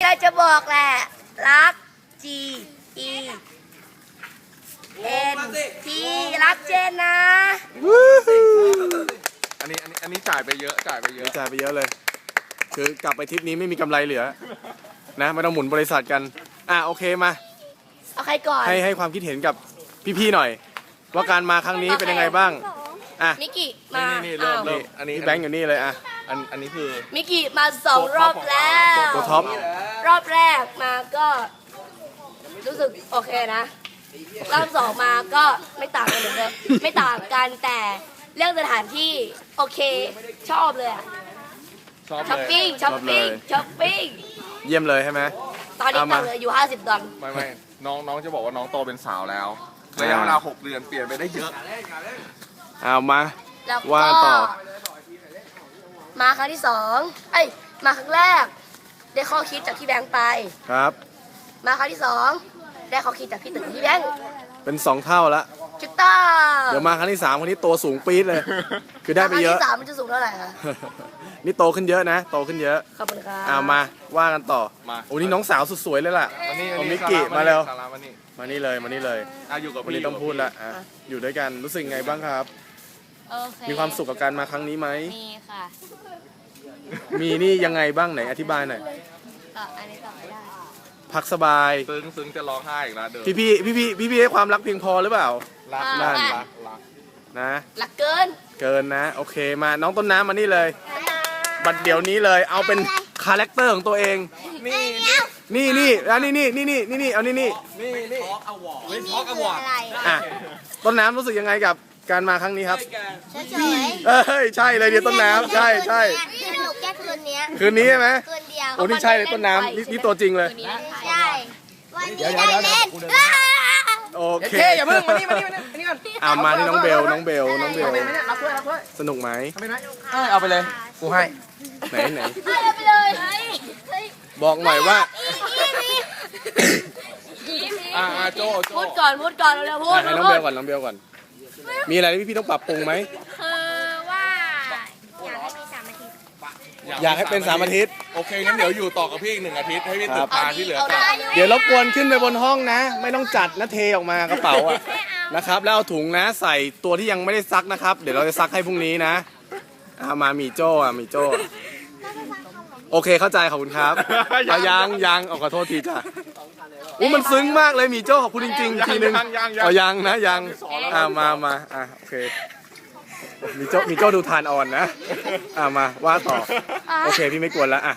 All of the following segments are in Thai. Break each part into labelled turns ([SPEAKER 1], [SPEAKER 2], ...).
[SPEAKER 1] ใจจะบอกแหละรัก G E N T รักเจนนะ
[SPEAKER 2] อันนี้จ่ายไปเยอะจ่ายไปเยอะ
[SPEAKER 3] จ่ายไปเยอะเลย คือกลับไปทริปนี้ไม่มีกำไรเหลือนะไม่ต้องหมุนบริษัทกันโอเคมา
[SPEAKER 1] เอาใครก่อน
[SPEAKER 3] ให้ความคิดเห็นกับพี่ๆหน่อย ว่าการมาครั้งนี้เป็นยังไงบ้าง
[SPEAKER 1] มิกิมา
[SPEAKER 2] นี่เริ่มอันนี้
[SPEAKER 3] พี่แบงค์อยู่นี่เลย
[SPEAKER 2] อันนี้คือ
[SPEAKER 1] มิกิมา2 รอบแล้ว
[SPEAKER 3] ตัวท็อป
[SPEAKER 1] รอบแรกมาก็รู้สึกโอเคนะรอบ2มาก็ไม่ต่างกันเหมือนเดิมไม่ต่างกันแต่เรื่องสถานที่โอเคชอบเลยอะ
[SPEAKER 2] ชอบ
[SPEAKER 1] ช้อป
[SPEAKER 2] เลย
[SPEAKER 1] ปิ้งช้อปปิ้งช้อปปิ้ง
[SPEAKER 3] เยี่ยมเลยใช่ไหม
[SPEAKER 1] ตอนนี้ตังค์เหลืออยู่50 ดอล
[SPEAKER 2] ไม่น้องจะบอกว่าน้องโตเป็นสาวแล้วระยะเวลา6 เดือนเปลี่ยนไปได้เยอะ
[SPEAKER 3] เอามา
[SPEAKER 1] แล้ว
[SPEAKER 3] ว่า
[SPEAKER 1] ก็
[SPEAKER 3] ต่อ
[SPEAKER 1] มาครั้งที่2มาครั้งแรก ได้ข้อคิดจากพี่แบงค์ไป
[SPEAKER 3] ครับ
[SPEAKER 1] มาครั้งที่2ได้ข้อคิดจากพี่ตึกพี่แบงค์
[SPEAKER 3] เป็น2 เท่าละ
[SPEAKER 1] จุดต้า
[SPEAKER 3] เดี๋ยวมาครั้งที่3คนนี้ตัวสูงปี๊ดเลย คือได้ไปเยอะ
[SPEAKER 1] ครั้งที่3มันจะสูงเท่าไหร่คะ
[SPEAKER 3] นี่โตขึ้นเยอะนะโตขึ้นเยอะ
[SPEAKER 1] ขอบคุณครับ
[SPEAKER 3] มาว่ากันต่อ
[SPEAKER 2] มา
[SPEAKER 3] โอ้นี่น้องสาวสุดสวยเลยล่ะ
[SPEAKER 2] มานี่
[SPEAKER 3] เอามิกกี้มาเร็ว
[SPEAKER 2] สาระมานี่
[SPEAKER 3] มานี่เลยมานี่เลย
[SPEAKER 2] อยู่กับ
[SPEAKER 3] วัน
[SPEAKER 2] พี่
[SPEAKER 3] นี้ต้องพูดละอยู่ด้วยกันรู้สึกไงบ้างครับ
[SPEAKER 4] โอเค
[SPEAKER 3] มีความสุขกับการมาครั้งนี้ไหม
[SPEAKER 4] มีค่ะ
[SPEAKER 3] มีนี่ยังไงบ้างไหนอธิบายหน่อย
[SPEAKER 4] ต่ออันนี้ต่อไม่ได้
[SPEAKER 3] พักสบาย
[SPEAKER 2] ซึ้งจะร้องไห้อีกแล้วเดิม
[SPEAKER 3] พี่ให้ความรักเพียงพอหรือเปล่า
[SPEAKER 2] รัก
[SPEAKER 3] นั่น
[SPEAKER 2] รัก
[SPEAKER 3] นะ
[SPEAKER 1] หลักเกิน
[SPEAKER 3] เกินนะ โอเคมาน้องต้นน้ำมานี่เลย บัดเดี๋ยวนี้เลยเอาเป็นคาแรคเตอร์ของตัวเอง
[SPEAKER 2] นี่
[SPEAKER 3] นี่เอานี่
[SPEAKER 2] ทอล์กอวอร์ดทอล์กอวอร์ด
[SPEAKER 3] ต้นน้ำรู้สึกยังไงกับการมาครั้งนี้ครับ
[SPEAKER 5] เฉย
[SPEAKER 3] ใช่เลยเดี๋ยวต้นน้ำใช่
[SPEAKER 5] ๆสนุกแค่คืนเนี้ย
[SPEAKER 3] คืนนี้ใช่ไหม
[SPEAKER 5] คืนเดียว
[SPEAKER 3] โอ้นี่ใช่เลยต้นน้ำนี่ตัวจริงเลย
[SPEAKER 5] ใช่วันนี้ได้เล่น
[SPEAKER 3] โอเค
[SPEAKER 6] อย่าเพิ่งมานี่ก่อน
[SPEAKER 3] มานี่น้องเบลสนุกไหม
[SPEAKER 6] เอาไปเลย กูให้
[SPEAKER 3] ไหน
[SPEAKER 1] เอาไปเลย
[SPEAKER 3] บอกหน่อยว่า
[SPEAKER 2] โจ
[SPEAKER 1] พูดก่อนเร็วๆพูด
[SPEAKER 3] ให้น้องเบลก่อนน้องเบลก่อน มีอะไรที่พี่ต้องปรับปรุงไหม
[SPEAKER 5] คือว่าอยากให้มี3 อาทิตย์
[SPEAKER 3] อยากให้เป็น3 อาทิตย์
[SPEAKER 2] โอเคงั้นเดี๋ยวอยู่ต่อกับพี่อีก1 อาทิตย์ให้พี่ตึกตาที่เหลือก่อน
[SPEAKER 3] เดี๋ยวรบกวนขึ้นไปบนห้องนะ ไม่ต้องจัดนะเทออกมากระเป๋าอะนะครับแล้วเอาถุงนะใส่ตัวที่ยังไม่ได้ซักนะครับ เดี๋ยวเราจะซักให้พรุ่งนี้นะมามีโจ้โอเคเข้าใจขอบคุณครับยังขอโทษทีจ้ะมันซึ้งมากเลยมีโจ้ขอบคุณจริงๆทีนึงยังมาโอเคมีโจ้ดูทานอ่อนนะมาว่าต่อโอเคพี่ไม่กวนแล้ว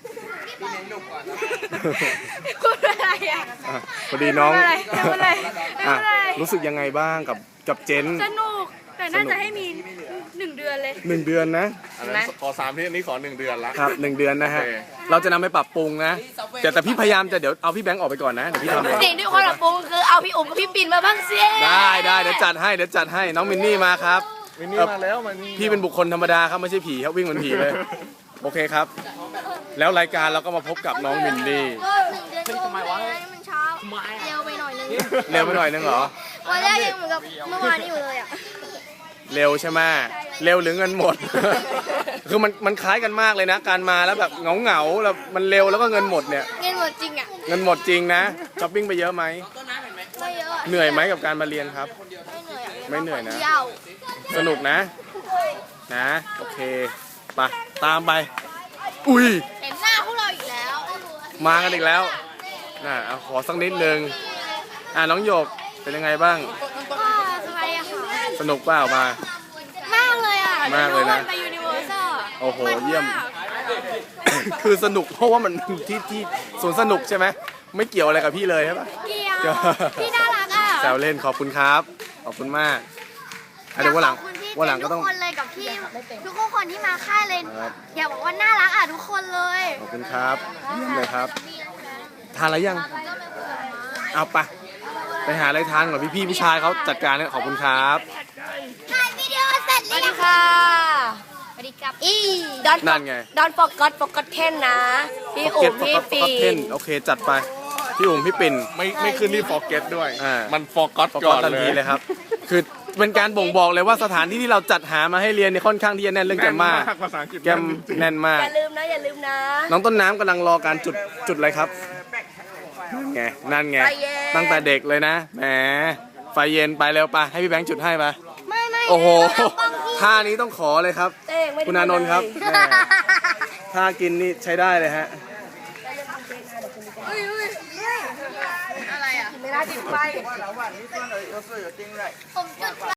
[SPEAKER 1] พูดอะไรอ่ะ
[SPEAKER 3] พอดีน้อง
[SPEAKER 1] ไม่เป็นไร
[SPEAKER 3] รู้สึกยังไงบ้างกับเจน
[SPEAKER 1] สนุกแต่น่าจะให้มี1 เดือนเลย
[SPEAKER 3] 1 เดือนนะ
[SPEAKER 2] อันนั้นขอ3 ที่อันนี้ขอ1 เดือนละ
[SPEAKER 3] ครับ1 เดือนนะฮะ
[SPEAKER 2] โอเค
[SPEAKER 3] เราจะนำไปปรับปรุงนะแต่พี่พยายามจะเดี๋ยวเอาพี่แบงค์ออกไปก่อนนะเดี๋ยวพี่ทำเอง
[SPEAKER 1] สิ่งที่คนปรับปรุงคือเอาพี่อุ๋มกับพี่ปิ่นมาบ้างสิ
[SPEAKER 3] ได้เดี๋ยวจัดให้น้องมินนี่มาครับ
[SPEAKER 2] มินนี่มาแล้วมันนี่
[SPEAKER 3] พี่เป็นบุคคลธรรมดาครับไม่ใช่ผีครับวิ่งเหมือนผีเลย โอเคครับ แล้วรายการเราก็มาพบกับน้องมินนี่
[SPEAKER 5] ก็1 เดือนทำไมวะมันเช้าเร็วไปหน่อยนึง
[SPEAKER 3] เร็วไปหน่อยนึงเหรอ
[SPEAKER 5] วันแรกยังเหมือนกับเมื่อวานนี้อยู่เลยอ่ะ
[SPEAKER 3] เร็วใช่ไหมเร็วหรือเงินหมด คือมันคล้ายกันมากเลยนะ การมาแล้วแบบเหงาแล้วมันเร็วแล้วก็เงินหมดเนี่ย
[SPEAKER 5] เงินหมดจริงอ่ะ
[SPEAKER 3] เงินหมดจริงนะช้อปปิ้งไปเยอะไหม
[SPEAKER 5] ไม่เยอะ
[SPEAKER 3] เหนื่อยไหมกับการมาเรียนครับ
[SPEAKER 5] ไม่เหนื่อย
[SPEAKER 3] ไม่เหนื่อยนะ
[SPEAKER 5] เที่ยว
[SPEAKER 3] สนุกนะโอเคไปตามไป อุ้ย
[SPEAKER 5] เห็นหน้าพวกเราอีกแล้ว
[SPEAKER 3] มากันอีกแล้วเอาขอสักนิดนึงน้องหยกเป็นยังไงบ้าง
[SPEAKER 5] ก็สบายอะค่ะ
[SPEAKER 3] สนุกเปล่ามาม
[SPEAKER 5] ากเลยอ่ะ
[SPEAKER 3] มากเลยนะ
[SPEAKER 5] ไปยูนิเวอร์แซล
[SPEAKER 3] โอ้โหเยี่ยม คือสนุกเพราะว่ามันที่สวนสนุกใช่ไหมไม่เกี่ยวอะไรกับพี่เลยใช่ปะ
[SPEAKER 5] เกี่ยวพี่น่ารักอ่ะ
[SPEAKER 3] แซวเล่นขอบคุณครับขอบคุณมากเดี๋ยววันหลัง
[SPEAKER 5] ขอบคุณพี่
[SPEAKER 3] วันหลังก็ต้อง
[SPEAKER 5] ทุกคนเลยกับพี่ทุกคนที่มาค่ายเลย
[SPEAKER 3] ครับ
[SPEAKER 5] อยากบอกว่าน่ารักอ่ะทุกคนเลย
[SPEAKER 3] ขอบคุณครับเยี่ยมเลยครับ ทานอะไรยังเอาไปหาอะไรทานก่อนพี่ผู้ชายเขาจัดการเนี่ยขอบคุณครับ
[SPEAKER 5] ถ่ายวิดีโอเสร็จ
[SPEAKER 1] ส
[SPEAKER 5] แล้
[SPEAKER 1] วัส
[SPEAKER 5] ว
[SPEAKER 1] ดีค่ะ
[SPEAKER 5] สวัสดีครับ
[SPEAKER 3] นั่นไง
[SPEAKER 1] ดอนฟอกก็เทนนะพี่อุ๋มพี่ปิ่
[SPEAKER 3] เทน
[SPEAKER 1] น
[SPEAKER 3] โอเคจัดไปพี่อุ๋มพี่ปิ่น
[SPEAKER 2] ไม่ขึ้นที่ forget ด้วย
[SPEAKER 3] อ่ามั
[SPEAKER 2] มัน forgot
[SPEAKER 3] ประก
[SPEAKER 2] ก่
[SPEAKER 3] อ
[SPEAKER 2] อบ น
[SPEAKER 3] ทัน
[SPEAKER 2] เล
[SPEAKER 3] ที
[SPEAKER 2] ย
[SPEAKER 3] เลยครับ คือเป็นการบ่งบอกเลยว่าสถานที่ที่เราจัดหามาให้เรียนเนี่ยค่อนข้างที่จะแน่นเรื่องแกมมา
[SPEAKER 2] ภาษาอังกฤษ
[SPEAKER 3] แกมแน่นมาก
[SPEAKER 1] อย่าลืมนะอย่าลืมนะ
[SPEAKER 3] น้องต้นน้ำกำลังรอการจุดอะไรครับนั่นไง
[SPEAKER 1] ไฟเย็น
[SPEAKER 3] ตั้งแต่เด็กเลยนะแหมไฟเย็นไปเร็วไปให้พี่แบงค์จุดให้ไป
[SPEAKER 5] ไม่
[SPEAKER 3] โอ้โหท่านี้ต้องขอเลยครับ
[SPEAKER 1] เต้งไม่ได้
[SPEAKER 3] คุณอานนท์ครับแหมท่ากินนี่ใช้ได้เลยฮะ
[SPEAKER 5] อะไรอ่ะ
[SPEAKER 1] ไม่ได้ติดไฟ
[SPEAKER 5] ผมจุด